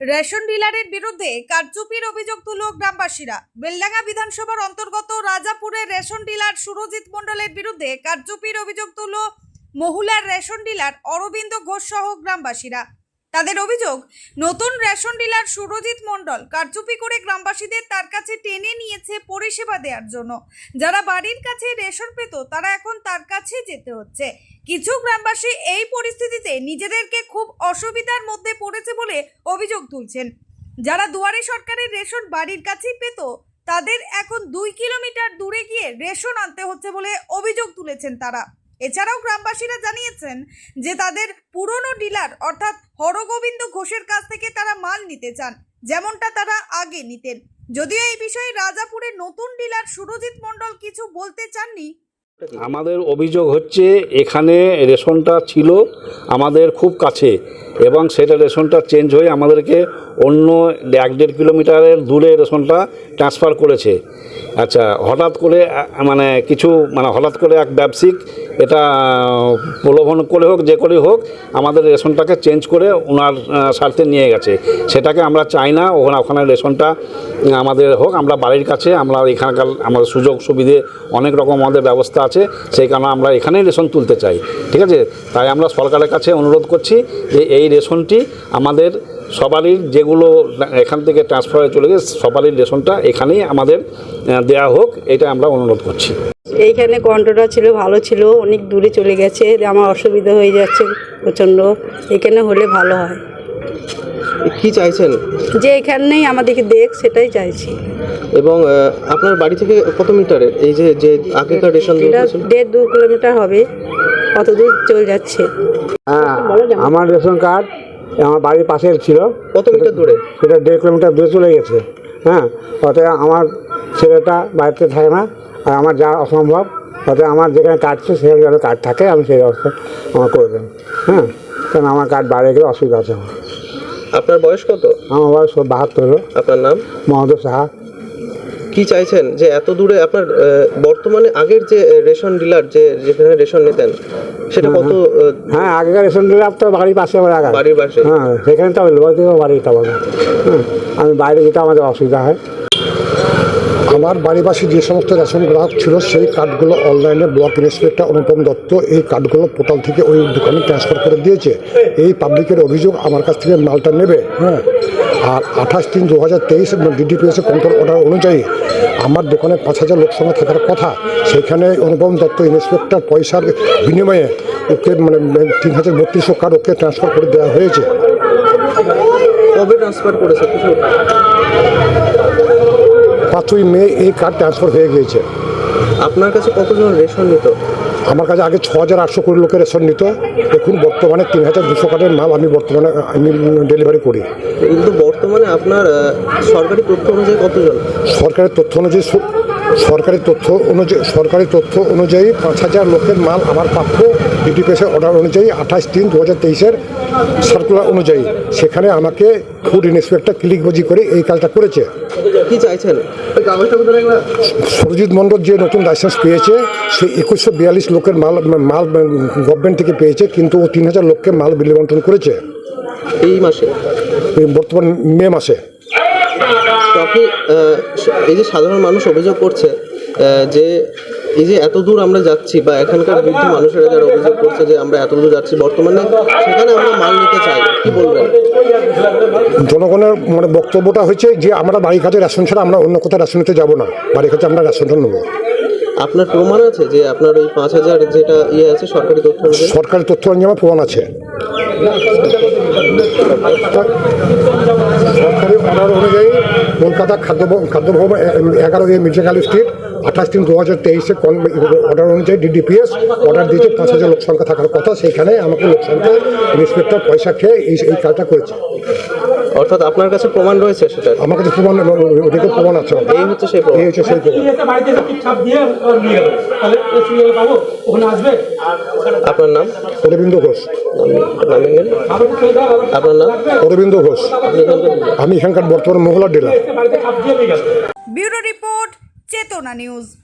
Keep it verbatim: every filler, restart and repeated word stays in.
Ration ডিলারের বিরুদ্ধে কারচুপির অভিযোগ তুলল গ্রামবাসীরা। বেলডাঙ্গা বিধানসভার অন্তর্গত রাজাপুরের রেশন ডিলার সুরজিৎ মণ্ডলের বিরুদ্ধে কারচুপির অভিযোগ তুলল মহুলার রেশন ডিলার অরবিন্দ ঘোষ সহ গ্রামবাসীরা। তাদের অভিযোগ, নতুন রেশন ডিলার সুরজিৎ মণ্ডল কারচুপি করে গ্রামবাসীদের তার কাছে টেনে নিয়েছে পরিষেবা দেওয়ার জন্য। যারা বাড়ির কাছে রেশন পেত তারা এখন তার কাছে যেতে হচ্ছে। কিছু গ্রামবাসী এই পরিস্থিতিতে নিজেদেরকে খুব অসুবিধার মধ্যে পড়েছে বলে অভিযোগ তুলছেন। যারা দুয়ারে সরকারের রেশন বাড়ির কাছেই পেত তাদের এখন দুই কিলোমিটার দূরে গিয়ে রেশন আনতে হচ্ছে বলে অভিযোগ তুলেছেন তারা। এছাড়াও গ্রামবাসীরা জানিয়েছেন যে তাদের পুরনো ডিলার অর্থাৎ হরগোবিন্দ ঘোষের কাছ থেকে তারা মাল নিতে চান, যেমনটা তারা আগে নিতেন। যদিও এই বিষয়ে রাজাপুরের নতুন ডিলার সুরজিৎ মণ্ডল কিছু বলতে চাননি। আমাদের অভিযোগ হচ্ছে এখানে রেশনটা ছিল আমাদের খুব কাছে এবং সেটা রেশনটা চেঞ্জ হয়ে আমাদেরকে অন্য এক দেড় কিলোমিটারের দূরে রেশনটা ট্রান্সফার করেছে। আচ্ছা, হঠাৎ করে মানে কিছু মানে হঠাৎ করে এক ব্যবসায়িক এটা প্রলোভন করে হোক যে করে হোক আমাদের রেশনটাকে চেঞ্জ করে ওনার স্বার্থে নিয়ে গেছে। সেটাকে আমরা চাই না, ওখানে ওখানে রেশনটা আমাদের হোক। আমরা বাড়ির কাছে, আমরা এখানকার আমাদের সুযোগ সুবিধে অনেক রকম আমাদের ব্যবস্থা আছে, সেই কারণে আমরা এখানেই রেশন তুলতে চাই। ঠিক আছে, তাই আমরা সরকারের কাছে অনুরোধ করছি যে এই রেশনটি আমাদের সবারই যেগুলো এখান থেকে ট্রান্সফার হয়ে চলে গেছে সবারই রেশনটা এখানেই আমাদের দেয়া হোক, এটা আমরা অনুরোধ করছি। এইখানে কন্ট্রোলটা ছিল, ভালো ছিল, অনেক দূরে চলে গেছে, আমার অসুবিধা হয়ে যাচ্ছে প্রচণ্ড। এখানে হলে ভালো হয়। কি চাইছেন? যে এখানেই আমাদেরকে দেখ, সেটাই চাইছি। এবং আপনার বাড়ি থেকে কত মিটারের এই যে যে আগেকার রেশন দেড় দু কিলোমিটার হবে, কত দূর চলে যাচ্ছে। হ্যাঁ, আমার রেশন কার্ড আমার বাড়ির পাশে ছিল। কত মিটার দূরে? সেটা দেড় কিলোমিটার দূরে চলে গেছে। হ্যাঁ, তাতে আমার ছেলেটা বাড়িতে থাকে না, আর আমার যা অসম্ভব, তাতে আমার যেখানে কার্ড ছিল সেখানে যাতে কার্ড থাকে আমি সেই ব্যবস্থা আমার করে দেন। হ্যাঁ, কারণ আমার কার্ড বাইরে গেলে অসুবিধা আছে আমার। আপনার বয়স কত? আমার বয়স বাহাত্তর। আপনার নাম? মহাদেব সাহা। কি চাইছেন যে এত দূরে আপনার বর্তমানে আগের যে রেশন ডিলার যে যেখানে রেশন নিতেন সেটা কত? হ্যাঁ, আগেকার রেশন ডিলার তো বাড়ির পাশে আমার আগে বাড়ির পাশে। হ্যাঁ, সেখানে তো লোক থেকে বাড়িটা আমাদের। হ্যাঁ, আমি বাইরে যেতে আমাদের অসুবিধা হয়। আমার বাড়ির পাশে যে সমস্ত রেশন গ্রাহক ছিল সেই কার্ডগুলো অনলাইনে ব্লক ইন্সপেক্টর অনুপম দত্ত এই কার্ডগুলো পোর্টাল থেকে ওই দোকানে ট্রান্সফার করে দিয়েছে। এই পাবলিকের অভিযোগ আমার কাছ থেকে মালটা নেবে। হ্যাঁ, আর আঠাশ তিন দু হাজার তেইশ ডিডিপিএসের কন্ট্রোল অর্ডার অনুযায়ী আমার দোকানে পাঁচ হাজার লোক সংখ্যা থাকার কথা, সেখানে অনুপম দত্ত ইন্সপেক্টর পয়সার বিনিময়ে ওকে মানে তিন হাজার বত্রিশশো কার্ড ওকে ট্রান্সফার করে দেওয়া হয়েছে। কবে ট্রান্সফার করেছে? পাঁচই মে এই কার্ড ট্রান্সফার হয়ে গিয়েছে। আপনার কাছে কতজন রেশন নিত? আমার কাছে আগে ছ হাজার আটশো কোটি লোকের রেশন নিত, এখন বর্তমানে তিন হাজার দুশো কার্ডের মাল আমি বর্তমানে আমি ডেলিভারি করি। কিন্তু বর্তমানে আপনার সরকারি তথ্য অনুযায়ী কতজন? সরকারি তথ্য অনুযায়ী সরকারি তথ্য অনুযায়ী সরকারি তথ্য অনুযায়ী পাঁচ হাজার লোকের মাল আমার প্রাপ্য ডিটিপিএসের অর্ডার অনুযায়ী আঠাশ তিন দু হাজার তেইশের সার্কুলার অনুযায়ী। সেখানে আমাকে ফুড ইন্সপেক্টর ক্লিকবাজি করে এই কাজটা করেছে। কি চাইছেন? সুরজিৎ মণ্ডল যে নতুন লাইসেন্স পেয়েছে সে একুশশো বিয়াল্লিশ লোকের মাল মাল গভর্নমেন্ট থেকে পেয়েছে, কিন্তু ও তিন হাজার লোককে মাল বিলি বন্টন করেছে এই মাসে, বর্তমান মে মাসে। তো আপনি এই যে সাধারণ মানুষ অভিযোগ করছে যে এই যে এত দূর আমরা যাচ্ছি, বা এখানকার বৃদ্ধ মানুষেরা যারা অভিযোগ করছে যে আমরা এত দূর যাচ্ছি বর্তমানে সেখানে আমরা মাল নিতে চাই, কি বলবেন? জনগণের মানে বক্তব্যটা হচ্ছে যে আমরা বাড়ির কাছে রেশন ছাড়া আমরা অন্য কোথাও রেশন নিতে যাবো না, বাড়ির কাছে আমরা রেশনটা নেবো। আপনার প্রমাণ আছে যে আপনার ওই পাঁচ হাজার যেটা ইয়ে আছে সরকারি তথ্য অনুযায়ী? সরকারি তথ্য অনুযায়ী আমার প্রমাণ আছে। সরকারি অর্ডার অনুযায়ী কলকাতা খাদ্য খাদ্য ভবন এগারো এ মির্জা কালী স্ট্রিট আঠাশ তিন দু হাজার তেইশে অর্ডার অনুযায়ী ডিডিপিএস অর্ডার দিয়েছে পাঁচ হাজার লোক সংখ্যা থাকার কথা, সেইখানে আমাকে লোক সংখ্যা ইন্সপেক্টর পয়সা খেয়ে এই এই কাজটা করেছে। অর্থাৎ আপনার কাছে প্রমাণ রয়েছে? সেটা আমার কাছে প্রমাণ, ওদিকে প্রমাণ আছে। এই হচ্ছে সেই প্রমাণ। এই হচ্ছে সেই প্রমাণ। আপনার নাম? অরবিন্দ ঘোষ। আপনার নাম? অরবিন্দ ঘোষ। আমি এখানকার বর্তমান মহিলা dealer. Bureau report, Chetana news.